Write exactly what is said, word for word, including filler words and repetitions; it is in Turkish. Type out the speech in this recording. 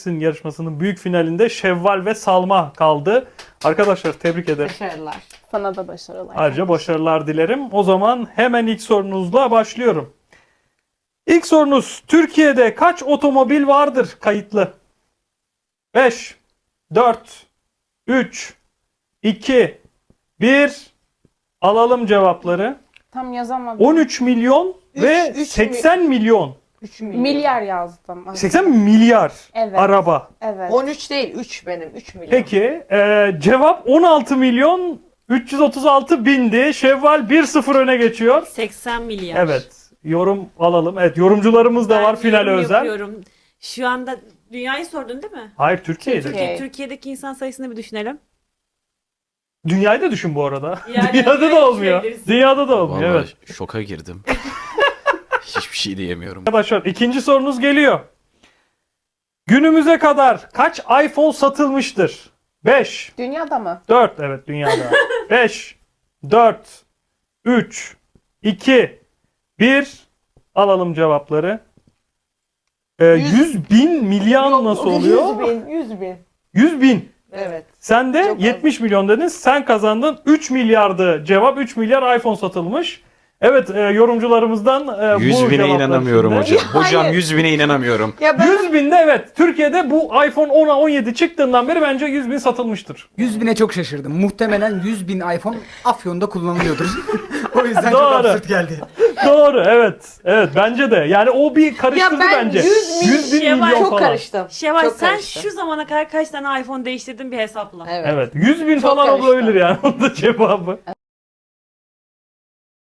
Bilirsin yarışmasının büyük finalinde Şevval ve Salma kaldı. Arkadaşlar tebrik ederim. Başarılar. Sana da başarılar. Ayrıca başarılar dilerim. O zaman hemen ilk sorunuzla başlıyorum. İlk sorunuz, Türkiye'de kaç otomobil vardır kayıtlı? beş, dört, üç, iki, bir. Alalım cevapları. Tam yazamadım. on üç milyon ve Üç- üç seksen milyon. üç milyon. Milyar yazdım. seksen milyar Evet. araba. Evet. on üç değil, üç benim. üç milyon. Peki e, cevap on altı milyon üç yüz otuz altı bindi. Şevval bir sıfır öne geçiyor. seksen milyar. Evet. Yorum alalım. Evet, yorumcularımız da Ben var finale yorum özel. yapıyorum. Şu anda dünyayı sordun değil mi? Hayır, Türkiye'de. Türkiye. Türkiye, Türkiye'deki insan sayısını bir düşünelim. Dünyayı da düşün bu arada. Yani Dünyada dünyayı da olmuyor. düşünebiliriz. Dünyada da olmuyor. Vallahi Evet. şoka girdim. Hiçbir şey diyemiyorum. Arkadaşlar ikinci sorunuz geliyor. Günümüze kadar kaç iPhone satılmıştır? beş, Dünyada mı? dört, evet dünyada. beş, dört, üç, iki, bir. Alalım cevapları. Ee, Yüz- yüz bin milyon Yok, nasıl yüz oluyor? bin, yüz bin. yüz bin. Evet. Sen de Çok az. yetmiş milyon dedin. Sen kazandın. üç milyardı cevap. üç milyar iPhone satılmış. Evet, e, yorumcularımızdan e, bu yüz bine cevaplar inanamıyorum içinde. hocam. Hocam Hayır. yüz bine inanamıyorum. Ya ben yüz binde evet. Türkiye'de bu iPhone ona on yedi çıktığından beri bence yüz bin satılmıştır. yüz bine çok şaşırdım. Muhtemelen yüz bin iPhone Afyon'da kullanılıyordur. O yüzden Doğru. çok absürt geldi. Doğru, evet. Evet, bence de. Yani o bir karıştırdı Ya ben bence. yüz bin- yüz bin Şevval, milyon çok falan. karıştım. Şevval Çok sen karıştım. şu zamana kadar kaç tane iPhone değiştirdin bir hesapla. Evet. Evet, yüz bin Çok falan karıştı. olabilir yani onun da cevabı.